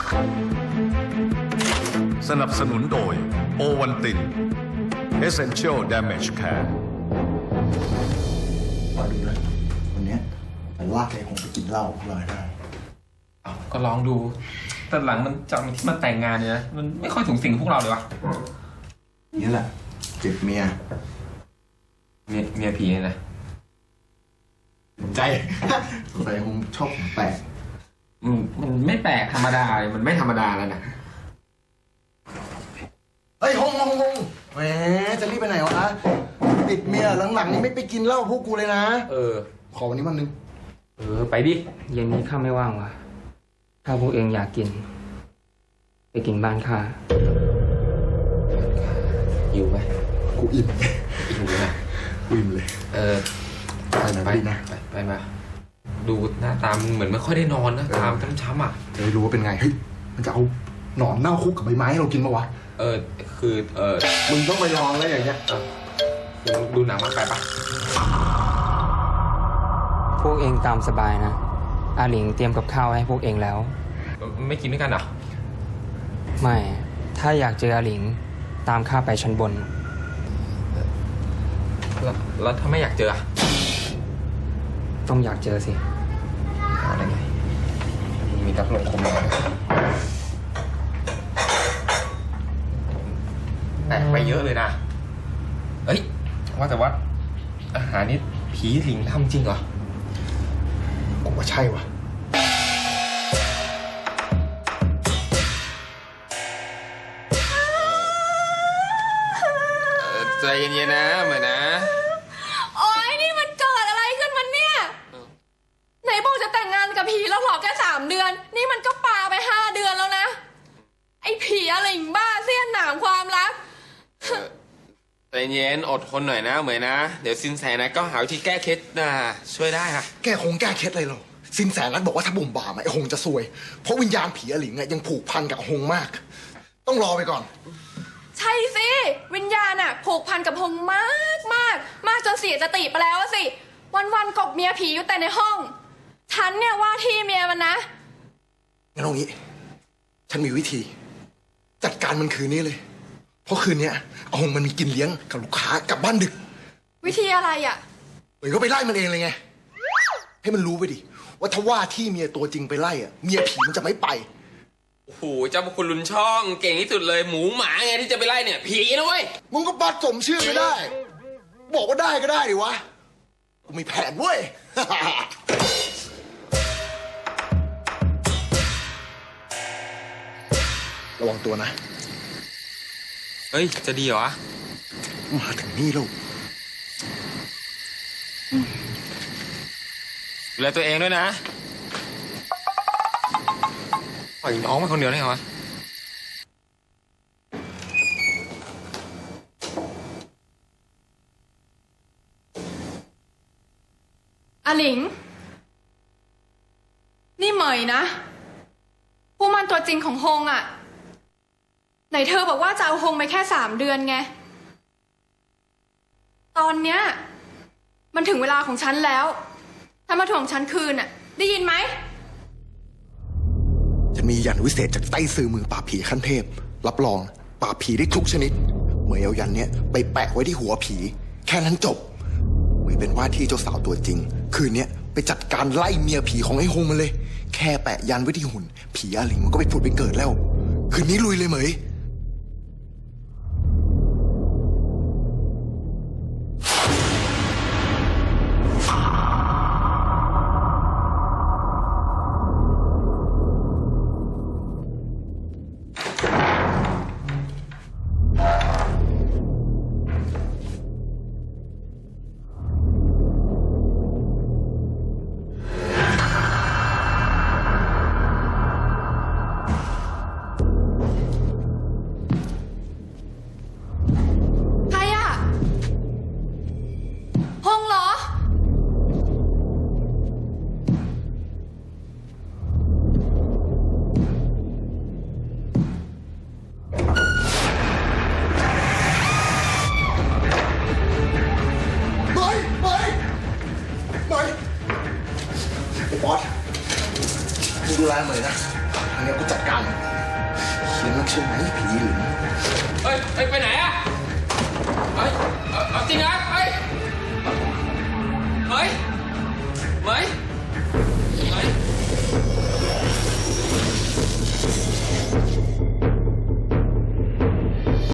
สนับสนุนโดยโอวันติน Essential Damage Care มาดูนะวันนี้มันลากไอ้หงไปกินเหล้าพวกเราได้ก็ลองดูแต่หลังมันจากที่มันแต่งงานเนี่ยนะมันไม่ค่อยถึงสิ่งพวกเราเลยวะนี่แหละเจ็บเมียผีเนี่ยนะใจใส่หงชอบแปลกมันไม่แปลกธรรมดาเลยมันไม่ธรรมดาแล้วนะเฮ้ยหงแหมจะรีบไปไหนวะติดเมียหลังๆนี้ไม่ไปกินเหล้าพวกกูเลยนะขอวันนี้วันนึงไปดิเย็นนี้ข้าไม่ว่างว่ะถ้าพวกเองอยากกินไปกินบ้านข้าอยู่ไหมกูอิ่มเลยนะอิ่มเลยไปนะไปมาดูหน้าตามึงเหมือนไม่ค่อยได้นอนนะตามช้ำอ่ะจะได้รู้ว่าเป็นไงเฮ้ยมันจะเอาหนอนเน่าคุกกับใบไม้ให้เรากินปะวะคือมึงต้องไปลองแล้วอย่างเงี้ยดูหนังมาไปปะพวกเองตามสบายนะอาหลิงเตรียมกับข้าวให้พวกเองแล้วไม่กินด้วยกันเหรอไม่ถ้าอยากเจออาหลิงตามข้าไปชั้นบนแล้วถ้าไม่อยากเจอต้องอยากเจอสิอะไรไงมีทักลงคมเลยแตกไปเยอะเลยนะเอ้ยว่าแต่ว่าอาหารนี้ผีสิงทำจริงเหรอกูว่าใช่วะใจเย็นๆนะเหมือนนะโอ๊ยนี่มันเกิดอะไรขึ้นมันเนี่ยไหนบอกจะแต่งงานกับผีแล้วหรอแค่3 เดือนนี่มันก็ปาไป5 เดือนแล้วนะไอ้ผีอะไรบ้าเสี้ยนหนามความรักใจเย็นอดทนหน่อยนะเหมือนนะเดี๋ยวสินแสนะก็หาวิธีแก้เคล็ดนะช่วยได้ค่ะแก้เคล็ดเลยหรอสินแสนัทบอกว่าถ้าบ่มบ่ามไอ้หงจะซวยเพราะวิญญาณผีอลิงยังผูกพันกับหงมากต้องรอไปก่อนใช่สิวิญญาณผูกพันกับหงมากจนเสียสติไปแล้วสิวันกบเมียผีอยู่แต่ในห้องฉันเนี่ยว่าที่เมียมันนะงั้นเอางี้ฉันมีวิธีจัดการมันคืนนี้เลยเพราะคืนนี้เอาหงมันมีกินเลี้ยงกับลูกค้ากลับบ้านดึกวิธีอะไรเหมือนก็ไปไล่มันเองเลยไงให้มันรู้ไปดิว่าถ้าว่าที่เมียตัวจริงไปไล่เมียผีมันจะไม่ไปโอ้โหเจ้าพระคุณลุนช่องเก่งที่สุดเลยหมูหมาไงที่จะไปไล่เนี่ยผีนะเว้ยมึงก็บัดสมชื่อไม่ได้บอกว่าได้ก็ได้ดิวะกูมีแผนเว้ยระวังตัวนะเฮ้ยจะดีเหรอมาถึงนี่แล้วดูแลตัวเองด้วยนะปล่อยน้องมาคนเดียวได้เหรออาหลิงนี่เหมยนะผู้มันตัวจริงของฮงไหนเธอบอกว่าจะเอาฮงไปแค่3 เดือนไงตอนเนี้ยมันถึงเวลาของฉันแล้วถ้ามาถ่วงฉันคืนได้ยินไหมฉันมียันวิเศษจากใต้ซื่อมือปราบผีขั้นเทพรับรองปราบผีได้ทุกชนิดเหมยเอายันเนี้ยไปแปะไว้ที่หัวผีแค่นั้นจบเหมยเป็นว่าที่เจ้าสาวตัวจริงคืนนี้ไปจัดการไล่เมียผีของไอ้ฮงมันเลยแค่แปะยันไว้ที่หุ่นผีอาหลิงมันก็ไปผุดไปเกิดแล้วคืนนี้ลุยเลยเหมยดูแลเหมยนะครั้งนี้กูจัดการเขียนนักใช่ไหมผีหรือเฮ้ยไปไหน